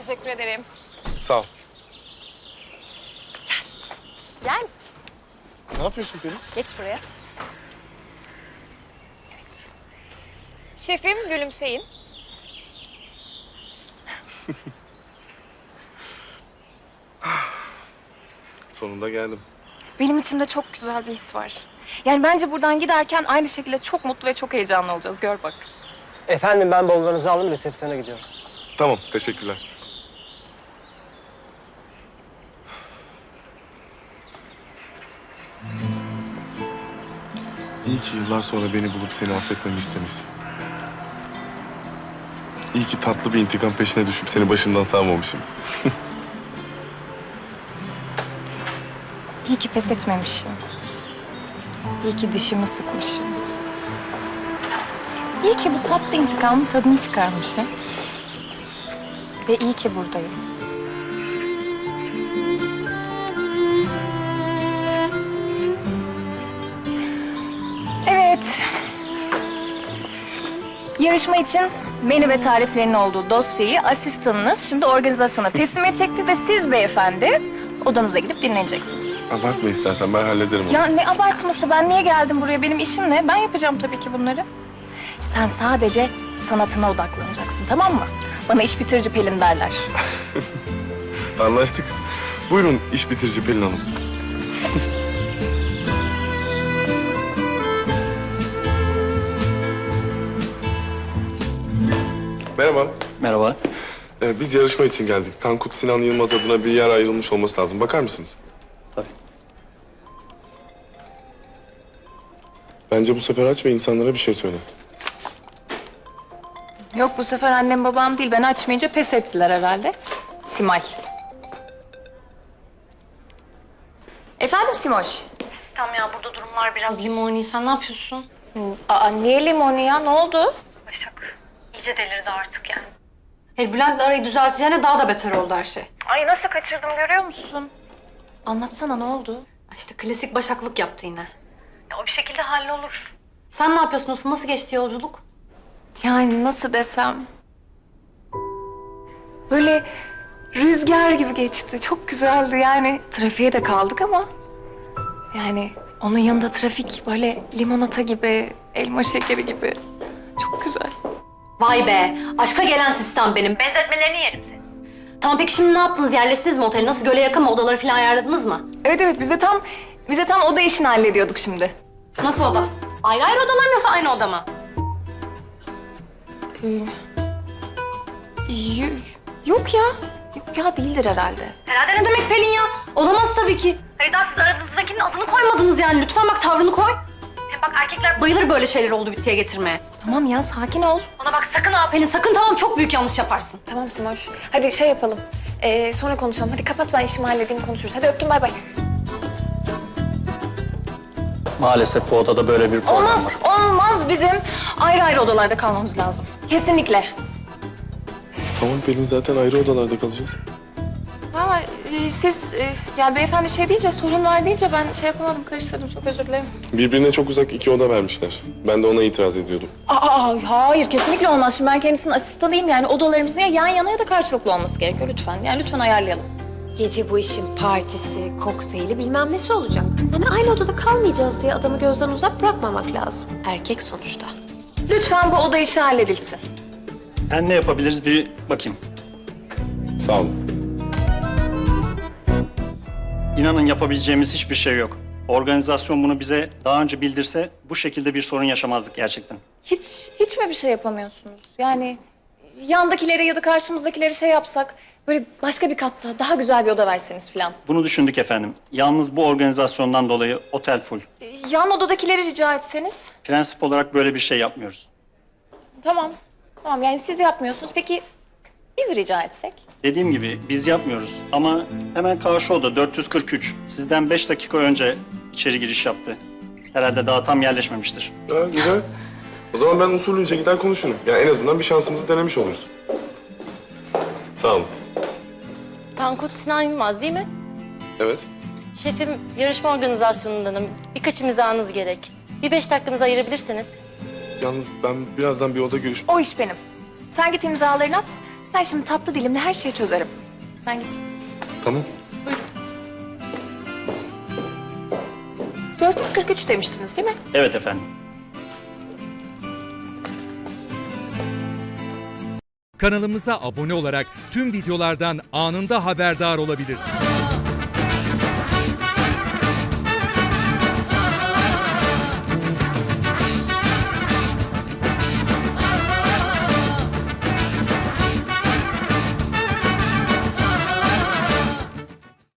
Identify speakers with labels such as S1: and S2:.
S1: Teşekkür ederim.
S2: Sağ ol.
S1: Gel.
S2: Ne yapıyorsun Pelin?
S1: Geç buraya. Evet. Şefim, gülümseyin.
S2: Sonunda geldim.
S1: Benim içimde çok güzel bir his var. Yani bence buradan giderken aynı şekilde çok mutlu ve çok heyecanlı olacağız. Gör bak.
S3: Efendim ben bavullarınızı aldım, resepsiyona gidiyorum.
S2: Tamam, teşekkürler. İyi ki yıllar sonra beni bulup seni affetmemi istemişsin. İyi ki tatlı bir intikam peşine düşüp seni başımdan savmamışım.
S1: İyi ki pes etmemişim. İyi ki dişimi sıkmışım. İyi ki bu tatlı intikamın tadını çıkarmışım. Ve iyi ki buradayım. Evet. Yarışma için menü ve tariflerin olduğu dosyayı asistanınız şimdi organizasyona teslim edecekti ve siz beyefendi odanıza gidip dinleneceksiniz.
S2: Abartma istersen, ben hallederim onu.
S1: Ya ne abartması? Ben niye geldim buraya? Benim işim ne? Ben yapacağım tabii ki bunları. Sen sadece sanatına odaklanacaksın, tamam mı? Bana iş bitirici Pelin derler.
S2: Anlaştık. Buyurun iş bitirici Pelin Hanım. Merhaba.
S3: Merhaba.
S2: Biz yarışma için geldik. Tankut Sinan Yılmaz adına bir yer ayrılmış olması lazım. Bakar mısınız?
S3: Tabii.
S2: Bence bu sefer aç ve insanlara bir şey söyle.
S1: Yok, bu sefer annem babam değil. Ben açmayınca pes ettiler herhalde. Simay. Efendim Simoş?
S4: Tamam ya, burada durumlar biraz limoni. Sen ne yapıyorsun?
S1: Aa, niye limonu ya? Ne oldu?
S4: Başak iyice delirdi artık yani. Hayır, Bülent'le arayı düzelteceğine daha da beter oldu her şey.
S1: Ay nasıl kaçırdım görüyor musun? Anlatsana, ne oldu?
S4: İşte klasik Başaklık yaptı yine. Ya, o bir şekilde hallolur. Sen ne yapıyorsun Olsun? Nasıl geçti yolculuk?
S1: Yani nasıl desem... Böyle rüzgar gibi geçti. Çok güzeldi yani. Trafiğe de kaldık ama... Yani onun yanında trafik böyle limonata gibi, elma şekeri gibi. Çok güzel.
S4: Vay be! Aşka gelen sistem benim. Benzetmelerini yerim seni. Tamam, peki şimdi ne yaptınız? Yerleştiniz mi otele? Nasıl, göle yakın mı? Odaları falan ayarladınız mı?
S1: Evet evet, bize tam oda işini hallediyorduk şimdi.
S4: Nasıl oda? Ayrı ayrı odalar mı yoksa aynı oda mı?
S1: Yok ya. Yok ya, değildir herhalde.
S4: Herhalde ne demek Pelin ya? Olamaz tabii ki. Hayır, daha siz aranızdakinin adını koymadınız yani. Lütfen bak, tavrını koy. Hem bak, erkekler bayılır böyle şeyler oldu bittiye getirmeye.
S1: Tamam ya, sakin ol.
S4: Bana bak, sakın ha Pelin, sakın, tamam, çok büyük yanlış yaparsın.
S1: Tamam Simoş. Hadi şey yapalım. Sonra konuşalım. Hadi kapat, ben işimi halledeyim, konuşuruz. Hadi öptüm, bay bay.
S3: Maalesef bu odada böyle bir problem
S1: Olmaz,
S3: var.
S1: olmaz. Bizim ayrı ayrı odalarda kalmamız lazım. Kesinlikle.
S2: Tamam Pelin, zaten ayrı odalarda kalacağız.
S1: Ama siz, ya beyefendi şey deyince, sorun var deyince ben şey yapamadım, karıştırdım. Çok özür dilerim.
S2: Birbirine çok uzak iki oda vermişler. Ben de ona itiraz ediyordum.
S1: Hayır, kesinlikle olmaz. Şimdi ben kendisinin asistanıyım. Yani odalarımızın ya yan yana ya da karşılıklı olması gerekiyor lütfen. Yani lütfen ayarlayalım.
S5: Gece bu işin partisi, kokteyli bilmem nesi olacak. Hani aynı odada kalmayacağız diye adamı gözden uzak bırakmamak lazım. Erkek sonuçta.
S1: Lütfen bu oda işi halledilsin.
S3: Ben ne yapabiliriz bir bakayım.
S2: Sağ olun.
S3: İnanın yapabileceğimiz hiçbir şey yok. Organizasyon bunu bize daha önce bildirse bu şekilde bir sorun yaşamazdık gerçekten.
S1: Hiç mi bir şey yapamıyorsunuz? Yani yandakilere ya da karşımızdakilere şey yapsak, böyle başka bir katta daha güzel bir oda verseniz falan.
S3: Bunu düşündük efendim. Yalnız bu organizasyondan dolayı otel full.
S1: Yan odadakileri rica etseniz.
S3: Prensip olarak böyle bir şey yapmıyoruz.
S1: Tamam. Tamam, yani siz yapmıyorsunuz. Peki biz rica etsek?
S3: Dediğim gibi biz yapmıyoruz ama hemen karşı oda 443. Sizden 5 dakika önce içeri giriş yaptı. Herhalde daha tam yerleşmemiştir.
S2: Ha, güzel. O zaman ben usulünce gider konuşurum. Ya en azından bir şansımızı denemiş oluruz. Sağ olun.
S6: Tankut Sinan Yılmaz değil mi?
S2: Evet.
S6: Şefim, yarışma organizasyonundanım. Birkaç imzanız gerek. Bir 5 dakikanızı ayırabilirseniz.
S2: Yalnız ben birazdan bir oda görüş...
S1: O iş benim. Sen git imzalarını at. Ben şimdi tatlı dilimle her şeyi çözerim. Ben gideyim.
S2: Tamam.
S1: 443 demiştiniz değil mi?
S3: Evet efendim.
S7: Kanalımıza abone olarak tüm videolardan anında haberdar olabilirsiniz.